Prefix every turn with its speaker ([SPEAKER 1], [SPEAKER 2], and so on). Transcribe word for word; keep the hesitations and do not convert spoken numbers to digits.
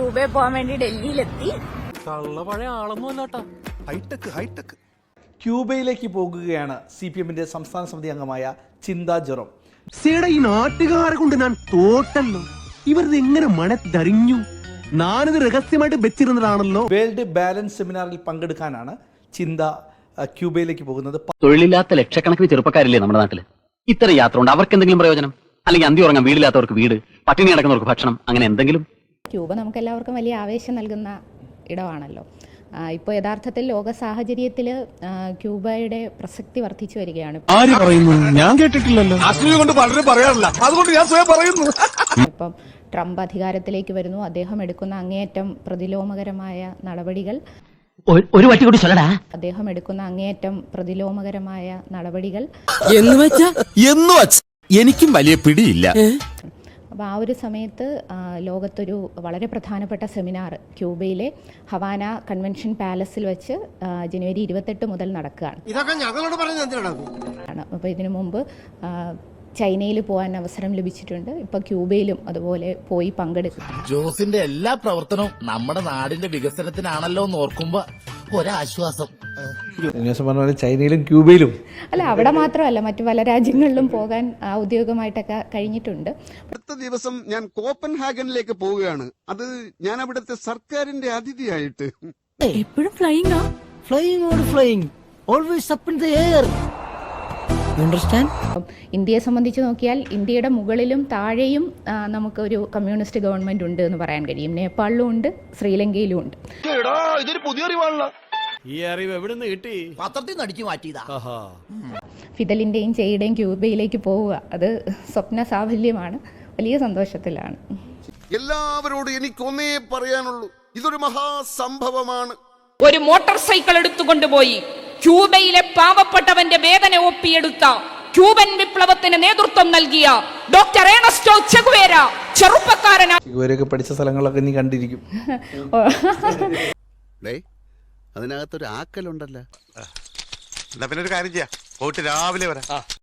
[SPEAKER 1] ക്യൂബയിൽ പോകാൻ വേണ്ടി ഡൽഹിയിലെത്തി.
[SPEAKER 2] പഴയ ആളൊന്നുമല്ലാട്ടാ, ഹൈടെക് ഹൈടെക്.
[SPEAKER 3] ക്യൂബയിലേക്ക് പോകുകയാണ് സി പി എമ്മിന്റെ സംസ്ഥാന സമിതി അംഗമായ ചിന്താ ജെറോം.
[SPEAKER 4] ഈ നാട്ടുകാരെ കൊണ്ട് ഞാൻ തോട്ടല്ലോ, ഇവരത് എങ്ങനെ മണത്തറിഞ്ഞു? ഞാനിത് രഹസ്യമായിട്ട് വെച്ചിരുന്നതാണല്ലോ.
[SPEAKER 3] വേൾഡ് ബാലൻസ് സെമിനാറിൽ പങ്കെടുക്കാനാണ് ചിന്ത ക്യൂബയിലേക്ക് പോകുന്നത്.
[SPEAKER 5] തൊഴിലില്ലാത്ത ലക്ഷക്കണക്കിന് ചെറുപ്പക്കാരില്ലേ നമ്മുടെ നാട്ടില്? ഇത്തരം യാത്ര കൊണ്ട് അവർക്ക് എന്തെങ്കിലും പ്രയോജനം? അല്ലെങ്കിൽ അന്തി ഉറങ്ങാൻ വീടില്ലാത്തവർക്ക് വീട്, പട്ടിണി കിടക്കുന്നവർക്ക് ഭക്ഷണം, അങ്ങനെ എന്തെങ്കിലും?
[SPEAKER 6] ക്യൂബ നമുക്ക് എല്ലാവർക്കും വലിയ ആവേശം നൽകുന്ന ഇടമാണല്ലോ. ഇപ്പോൾ യഥാർത്ഥത്തിൽ ലോക സാഹചര്യത്തിൽ ക്യൂബയുടെ പ്രസക്തി വർദ്ധിച്ചു വരികയാണ്.
[SPEAKER 4] ആര് പറയുന്നു? ഞാൻ കേട്ടിട്ടില്ലല്ലോ. കൊണ്ട് പലരും പറയാറില്ല, അതുകൊണ്ട് ഞാൻ സ്വയം പറയുന്നു.
[SPEAKER 6] ഇപ്പം ട്രംപ് അധികാരത്തിലേക്ക് വരുന്നു. അദ്ദേഹം എടുക്കുന്ന അങ്ങേയറ്റം പ്രതിലോമകരമായ നടപടികൾ
[SPEAKER 5] ഒരു വട്ടി കൂടി ചൊല്ലടാ.
[SPEAKER 6] അദ്ദേഹം എടുക്കുന്ന അങ്ങേയറ്റം പ്രതിലോമകരമായ നടപടികൾ
[SPEAKER 7] എന്ന് വെച്ചാ എന്ന് വെച്ചാ എനിക്കും വലിയ പിടിയില്ല.
[SPEAKER 6] അപ്പോൾ ആ ഒരു സമയത്ത് ലോകത്തൊരു വളരെ പ്രധാനപ്പെട്ട സെമിനാർ ക്യൂബയിലെ ഹവാന കൺവെൻഷൻ പാലസിൽ വെച്ച് ജനുവരി ഇരുപത്തെട്ട് മുതൽ നടക്കുകയാണ്. അപ്പോൾ ഇതിനു മുമ്പ് ചൈനയിൽ പോകാൻ അവസരം ലഭിച്ചിട്ടുണ്ട്. ഇപ്പൊ ക്യൂബയിലും അതുപോലെ പോയി പങ്കെടുക്കും.
[SPEAKER 8] ജോസിന്റെ എല്ലാ പ്രവർത്തനവും നമ്മുടെ നാടിന്റെ വികസനത്തിനാണല്ലോ എന്ന് ഓർക്കുമ്പോ ഒരാശ്വാസം.
[SPEAKER 3] ചൈനയിലും ക്യൂബയിലും
[SPEAKER 6] അല്ല, അവിടെ മാത്രമല്ല, മറ്റു പല രാജ്യങ്ങളിലും പോകാൻ ഔദ്യോഗികമായിട്ടൊക്കെ കഴിഞ്ഞിട്ടുണ്ട്.
[SPEAKER 9] അടുത്ത ദിവസം ഞാൻ കോപ്പൻഹാഗനിലേക്ക് പോവുകയാണ്. അത് ഞാൻ അവിടുത്തെ സർക്കാരിന്റെ അതിഥിയായിട്ട്.
[SPEAKER 7] എപ്പോഴും ഫ്ലൈയിങ് ആ flying or flying always up in the air.
[SPEAKER 6] ഇന്ത്യയെ സംബന്ധിച്ച് നോക്കിയാൽ ഇന്ത്യയുടെ മുകളിലും താഴെയും നമുക്കൊരു കമ്മ്യൂണിസ്റ്റ് ഗവൺമെന്റ് ഉണ്ട് എന്ന് പറയാൻ കഴിയും. നേപ്പാളിലും ഉണ്ട്, ശ്രീലങ്കയിലും ഉണ്ട്.
[SPEAKER 8] ഇതൊരു പുതിയ അറിവാണല്ലോ.
[SPEAKER 2] ഈ അറിവ് എവിടെ നിന്ന് കിട്ടി?
[SPEAKER 8] പത്രത്തിൽ നിന്ന് അടിച്ചു മാറ്റിയതാ.
[SPEAKER 6] ഫിദലിന്റെയും ചെയ്യുടെയും ക്യൂബയിലേക്ക് പോവുക, അത് സ്വപ്ന സാഫല്യമാണ്. വലിയ സന്തോഷത്തിലാണ്.
[SPEAKER 9] എല്ലാവരോടും എനിക്കൊന്നേ പറയാനുള്ളൂ, ഇതൊരു മഹാസംഭവമാണ്.
[SPEAKER 10] ഒരു മോട്ടോർ സൈക്കിൾ എടുത്തുകൊണ്ടുപോയി ക്യൂബയിലെ പാവപ്പെട്ടവന്റെ വേദന ഒപ്പിയെടുത്ത ക്യൂബൻ വിപ്ലവത്തിന് നേതൃത്വം നൽകിയ ഡോക്ടർ ഏണസ്റ്റോ ചെഗുവേര ചെറുപ്പക്കാരനാണ്.
[SPEAKER 3] ചെഗുവേരയൊക്കെ പഠിച്ച സ്ഥലങ്ങളൊക്കെ നീ കണ്ടിരിക്കും.
[SPEAKER 9] അതിനകത്തൊരു ആക്കലുണ്ടല്ലോ.
[SPEAKER 2] എന്നാ പിന്നെ ഒരു കാര്യം ചെയ്യാം, പോയിട്ട് രാവിലെ വരാം.